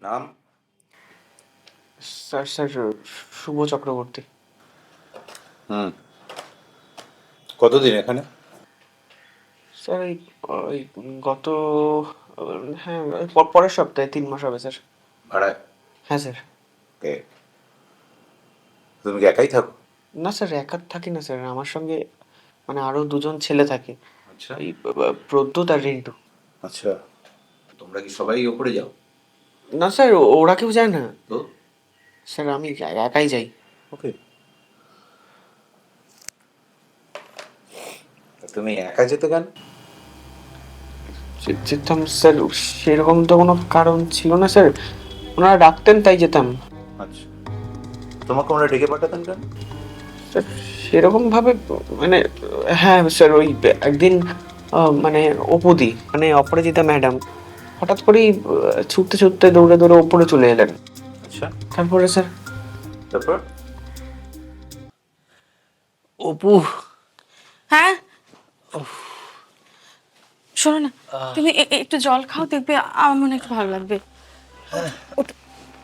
নাম? Sir sir Shubho Chakraborty. হুম। কতদিন এখানে? স্যার এই ওই গত হ্যাঁ পরের সপ্তাহে 3 মাস হবে স্যার। ভাড়ায়? হ্যাঁ স্যার। কে? তুমি কি একাই থাকো? না স্যার, একা থাকি না স্যার, আমার সঙ্গে মানে আরও 2জন ছেলে থাকে। আচ্ছা। এই প্রদ্যুৎ আর রিন্টু। আচ্ছা, তোমরা কি সবাই ওপরে যাও? না স্যার, ওরা কেউ যায় না তো স্যার, আমি একাই যাই। ওকে। তুমি একা যেতে কেন? যেতাম স্যার, সেরকম তো কোনো কারণ ছিল না স্যার, ওনারা ডাকতেন তাই যেতাম। আচ্ছা, তোমাকে ওরা ডেকে পাঠাতেন কেন? স্যার সেরকম ভাবে মানে হ্যাঁ স্যার, ওই একদিন মানে অপুদি মানে অপরাজিতা ম্যাডাম হঠাৎ করেই ছুটতে ছুটতে দৌড়ে দৌড়ে ওপরে চলে এলেন। আচ্ছা, তারপরে স্যার তারপর? অপু। হ্যাঁ, শোনো না, তুমি একটু জল খাও, দেখবে আমার মনে একটু ভালো লাগবে। ওঠো।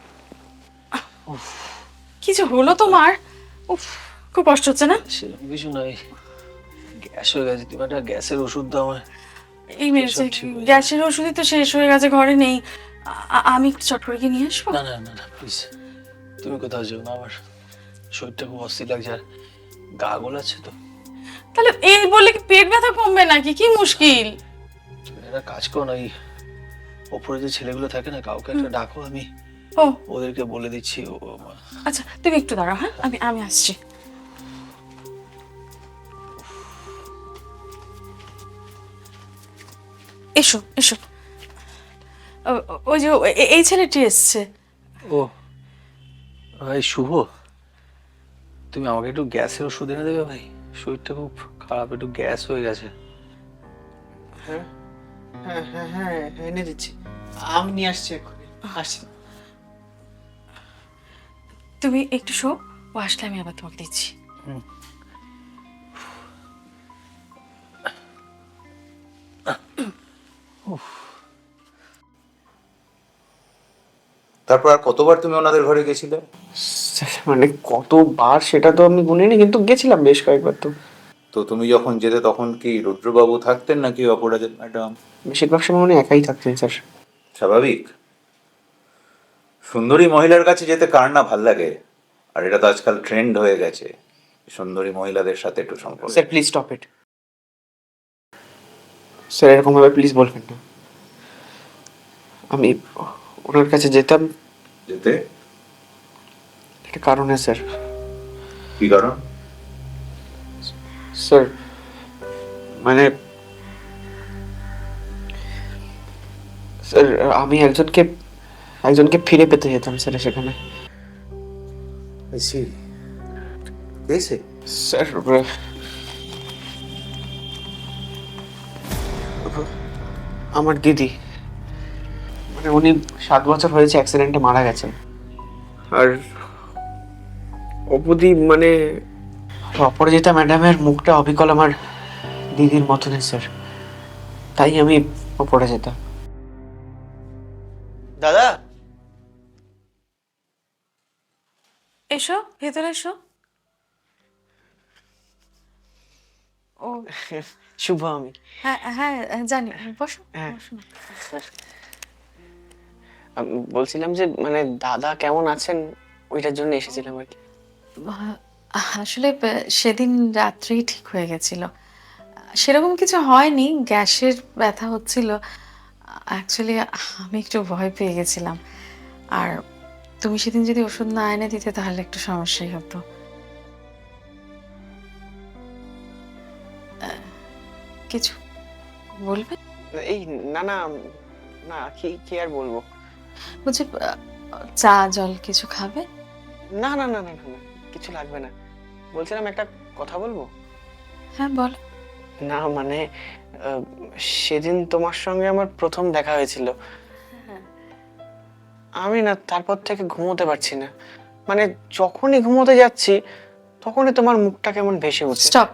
কি যে হলো তোমার? উফ, খুব কষ্ট হচ্ছে না? সেরকম কিছু নয়, গ্যাস হয়ে গেছে। তুমি একটা গ্যাসের ওষুধ দাও আমার। এই মেরেছে, গ্যাসের ওষুধই তো শেষ হয়ে গেছে, ঘরে নেই। আমি একটু চট করে গিয়ে নিয়ে আসবো। না না না না, প্লিজ তুমি কোথাও যেও না, আমার শরীরটা খুব অস্থির লাগছে, আর গা গোলাচ্ছে তো। তাহলে এই বলে কি পেট ব্যথা কমবে নাকি? কি মুশকিল। তুমি একটা কাজ করো না, এই ওপরে যে ছেলেগুলো থাকে না, কাউকে একটা ডাকো, আমি ও ওদেরকে বলে দিচ্ছি। আচ্ছা, তুমি একটু দাঁড়াও, হ্যাঁ, আমি আসছি। এসো এসো। ওই যে এই ছেলেটি এসছে। ও ভাই শুভ, তুমি আমাকে একটু গ্যাসের ওষুধ এনে দেবে ভাই? শরীরটা খুব খারাপ, একটু গ্যাস হয়ে গেছে। হ্যাঁ হ্যাঁ হ্যাঁ হ্যাঁ এনে দিচ্ছি, আমি নিয়ে আসছি এক্ষুনি, আসছি। তুমি একটু শো, ও আসলে আমি আবার তোমাকে দিচ্ছি। তারপর আর কতবার তুমি ওনাদের ঘরে গেছিলে? স্যার, মানে কতবার সেটা তো আমি গুনিনি, কিন্তু গেছিলাম বেশ কয়েকবার তো। তো তুমি যখন যেতে তখন কি রুদ্রবাবু থাকতেন নাকি অপরাজিতা ম্যাডাম? বেশিরভাগ সময় উনি একাই থাকতেন স্যার। স্বাভাবিক। সুন্দরী মহিলার কাছে যেতে কার না ভাল লাগে, আর এটা তো আজকাল ট্রেন্ড হয়ে গেছে সুন্দরী মহিলাদের সাথে একটু সম্পর্ক। Sir please stop it sir, এরকম ভাবে প্লিজ বলবেন না। আমি ওনার কাছে যেতাম যেতে? একটা কারণে স্যার। কি কারণ? স্যার মানে স্যার আমি একজনকে ফিরে পেতে যেতাম স্যার সেখানে। এসে স্যার আমার দিদি, মানে উনি 7 বছর হয়েছে অ্যাক্সিডেন্টে মারা গেছেন। আর অপুদি মানে অপরাজিতা ম্যাডামের মুখটা অবিকল আমার দিদির মতনই স্যার, তাই আমি ওপরে যেতাম। দাদা, এসো ভেতরে এসো। ও শুভ আমি। হ্যাঁ হ্যাঁ, জানি, বসো হ্যাঁ। বসো না। আমি বলছিলাম যে মানে দাদা কেমন আছেন, ওইটার জন্য এসেছিলাম আর কি। আসলে সেদিন রাত্রেই ঠিক হয়ে গেছিল, সেরকম কিছু হয়নি, গ্যাসের ব্যথা হচ্ছিল। অ্যাকচুয়ালি আমি একটু ভয় পেয়ে গেছিলাম, আর তুমি সেদিন যদি ওষুধ না এনে দিতে তাহলে একটু সমস্যাই হতো। কিছু বলবে? এই না না না, কি কি আর বলবো। বলছি, চা জল কিছু খাবে? না না না না না না, কিছু লাগবে না। বলছিলাম একটা কথা বলবো। হ্যাঁ বলো। না মানে আহ, সেদিন তোমার সঙ্গে আমার প্রথম দেখা হয়েছিল, আমি না তারপর থেকে ঘুমোতে পারছি না, মানে যখনই ঘুমোতে যাচ্ছি তখনই তোমার মুখটা কেমন ভেসে উঠছে। স্টপ।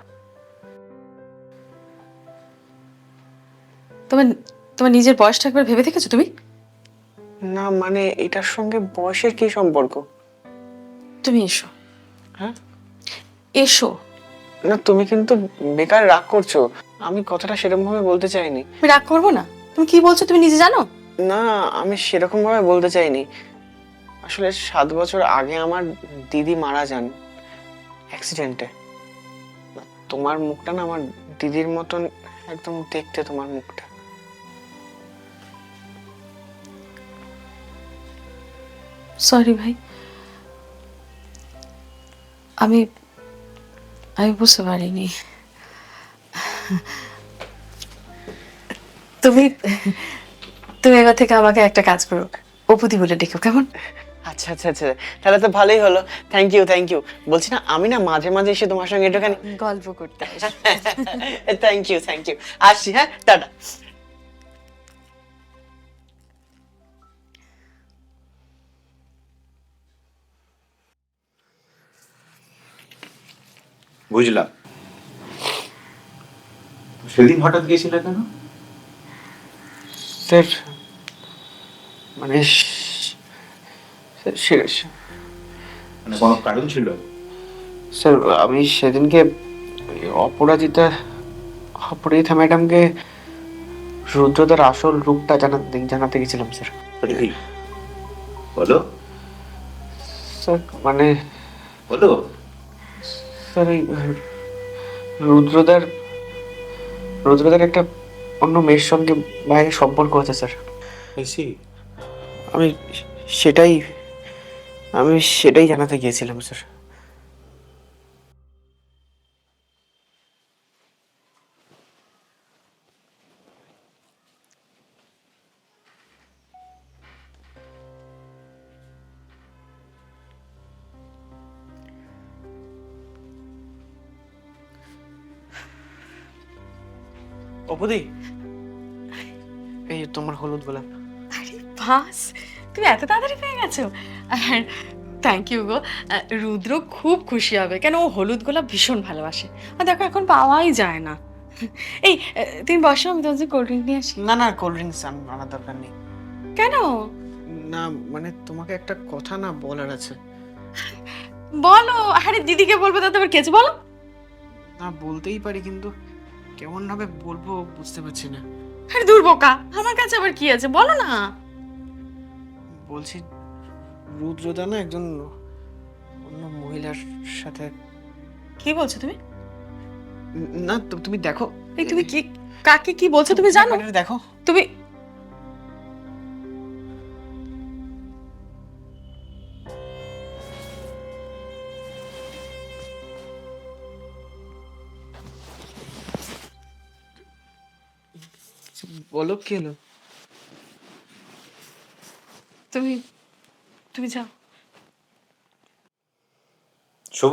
তোমার তোমার নিজের বয়সটা একবার ভেবে দেখেছো তুমি? না মানে এটার সঙ্গে বয়সের কি সম্পর্ক? তুমি এসো, হ্যাঁ এসো। না, তুমি কিন্তু বেকার রাগ করছো। আমি কথাটা সেরকম ভাবে বলতে চাইনি। আমি রাগ করবো না? তুমি কি বলছো তুমি নিজে জানো? না, আমি সেরকম ভাবে বলতে চাইনি। আসলে 7 বছর আগে আমার দিদি মারা যান অ্যাক্সিডেন্টে। তোমার মুখটা না আমার দিদির মতন একদম দেখতে, তোমার মুখটা। সরি ভাই, আমি আমি বুঝতে পারিনি। তুমি তুমি এবার থেকে আমাকে একটা কাজ করো, অপুদি বলে ডেকো, কেমন? আচ্ছা আচ্ছা আচ্ছা, তাহলে তো ভালোই হলো। Thank you thank you. বলছি না, আমি না মাঝে মাঝে এসে তোমার সঙ্গে একটুখানি গল্প করতে থ্যাংক ইউ থ্যাংক ইউ। আসছি, হ্যাঁ, টাটা। বুঝলাম। সেদিন হঠাৎ গেছিলে কেন? স্যার মানে মানে কোনো কারণ ছিল? স্যার আমি সেদিনকে ওই অপরাজিতা ম্যাডামকে রুদ্রদার আসল রূপটা জানাতে গেছিলাম স্যার। এই, বলো স্যার মানে বলো। স্যার এই রুদ্রদার রুদ্রদার একটা অন্য মেয়ের সঙ্গে বাইরে সম্পর্ক আছে স্যার। এসি আমি সেটাই আমি সেটাই জানাতে গিয়েছিলাম স্যার। অপুদি, এই তোমার হলুদ গোলাপ। আরে বাস, তুমি এত তাড়াতাড়ি পেয়ে গেছো। আর থ্যাংক ইউ গো। রুদ্র খুব খুশি হবে, কেন ও হলুদ গোলাপ ভীষণ ভালোবাসে। আর দেখো এখন পাওয়াই যায় না। এই তুমি বসো, আমি তোমার কোল্ড ড্রিঙ্ক নিয়ে আসি। না না, কোল্ড ড্রিঙ্কস আনার দরকার নেই। কেন? না মানে তোমাকে একটা কথা না বলার আছে। বলো। আরে দিদিকে বলবো, তাতে আবার কেছে, বলো। না বলতেই পারি, কিন্তু কেমন ভাবে বলবো বুঝতে পারছি না। আরে দূর বোকা, আমার কাছে আবার কি আছে, বলো না। বলছি, রুদ্রদা না একজন অন্য মহিলার সাথে। কি বলছো তুমি? না তুমি দেখো। এই তুমি কি, কাকে কি বলছো তুমি জানো? ব্যাপারটা দেখো। তুমি বলো কি হলো? তুমি তুমি যাও। শুভ,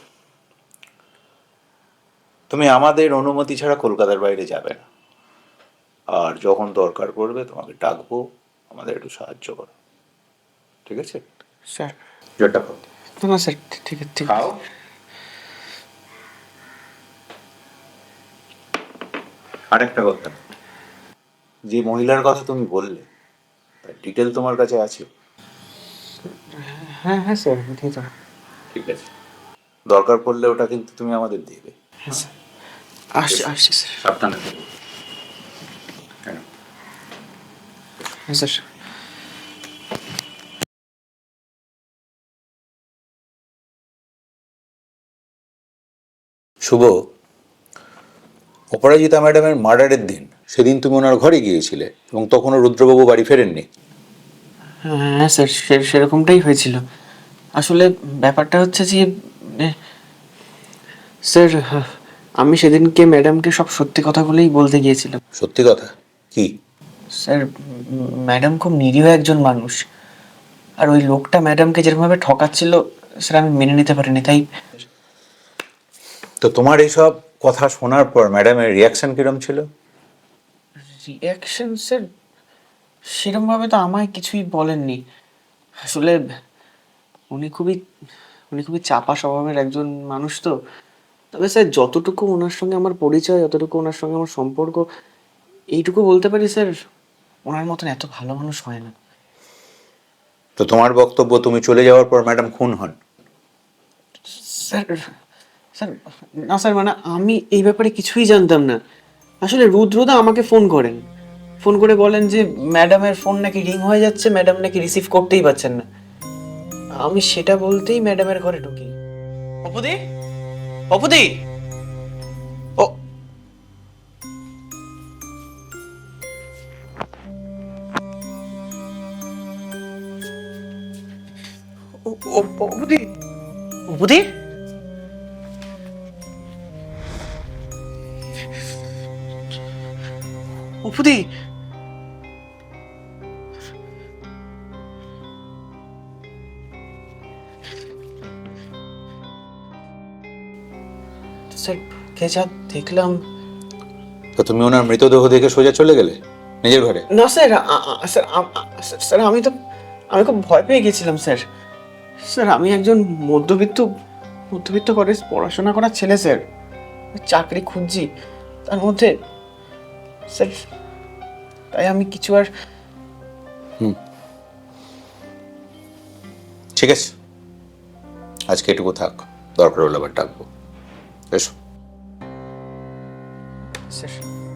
তুমি আমাদের অনুমতি ছাড়া কলকাতার বাইরে যাবে না। আর যখন দরকার পড়বে তোমাকে ডাকবো, আমাদের একটু সাহায্য করো, ঠিক আছে? স্যার জোরটা খাও। না না স্যার, ঠিক আছে ঠিক আছে। খাও। আরেকটা কথা, যে মহিলার কথা তুমি বললে তার ডিটেল তোমার কাছে আছে? হ্যাঁ হ্যাঁ স্যার, দিয়ে দাও। ঠিক আছে, দরকার পড়লে ওটা কিন্তু তুমি আমাদের দেবে। হ্যাঁ স্যার, আসছি আসছি স্যার। সাবধানে থেকো। হ্যাঁ। হ্যাঁ স্যার। শুভ, অপরাজিতা ম্যাডামের মার্ডারের দিন সেদিন তুমি ওনার ঘরে গিয়েছিলে এবং তখনও রুদ্রবাবু বাড়ি ফেরেননি। হ্যাঁ স্যার, সেরকমটাই হয়েছিল। আসলে ব্যাপারটা হচ্ছে যে স্যার, আমি সেদিনকে ম্যাডামকে সব সত্যি কথাগুলোই বলতে গিয়েছিলাম। সত্যি কথা কি? স্যার ম্যাডাম খুব নিরীহ একজন মানুষ, আর ওই লোকটা ম্যাডামকে যেরকমভাবে ঠকাচ্ছিল স্যার আমি মেনে নিতে পারিনি। তাই তো তোমার এইসব কথা শোনার পর ম্যাডামের রিয়াকশন কিরম ছিল? রিয়াকশন স্যার সেরকমভাবে তো আমায় কিছুই বলেননি। আসলে উনি খুবই উনি খুবই চাপা স্বভাবের একজন মানুষ তো। তবে স্যার যতটুকু ওনার সঙ্গে আমার পরিচয়, যতটুকু ওনার সঙ্গে আমার সম্পর্ক, এইটুকু বলতে পারি স্যার, ওনার মতন এত ভালো মানুষ হয় না। তো তোমার বক্তব্য তুমি চলে যাওয়ার পর ম্যাডাম খুন হন? স্যার স্যার না স্যার, মানে আমি এই ব্যাপারে কিছুই জানতাম না। আসলে রুদ্রদা আমাকে ফোন করেন, ফোন করে বলেন যে ম্যাডামের ফোন নাকি রিং হয়ে যাচ্ছে, ম্যাডাম নাকি রিসিভ করতেই পারছেন না। আমি সেটা বলতেই ম্যাডামের ঘরে ঢুকি। অপুদি, অপুদি, ও অপুদি, অপুদি, অপুদি। স্যার কে যা দেখলাম। তো তুমি ওনার মৃতদেহ দেখে সোজা চলে গেলে নিজের ঘরে? না স্যার, স্যার স্যার আমি খুব ভয় পেয়ে গেছিলাম স্যার। স্যার আমি একজন মধ্যবিত্ত মধ্যবিত্ত করে পড়াশোনা করার ছেলে স্যার, চাকরি খুঁজছি তার মধ্যে স্যার, তাই আমি কিছু আর। ঠিক আছে, আজকে এটুকু থাক, দরকার হলে আবার ডাকবো। এসো। স্যার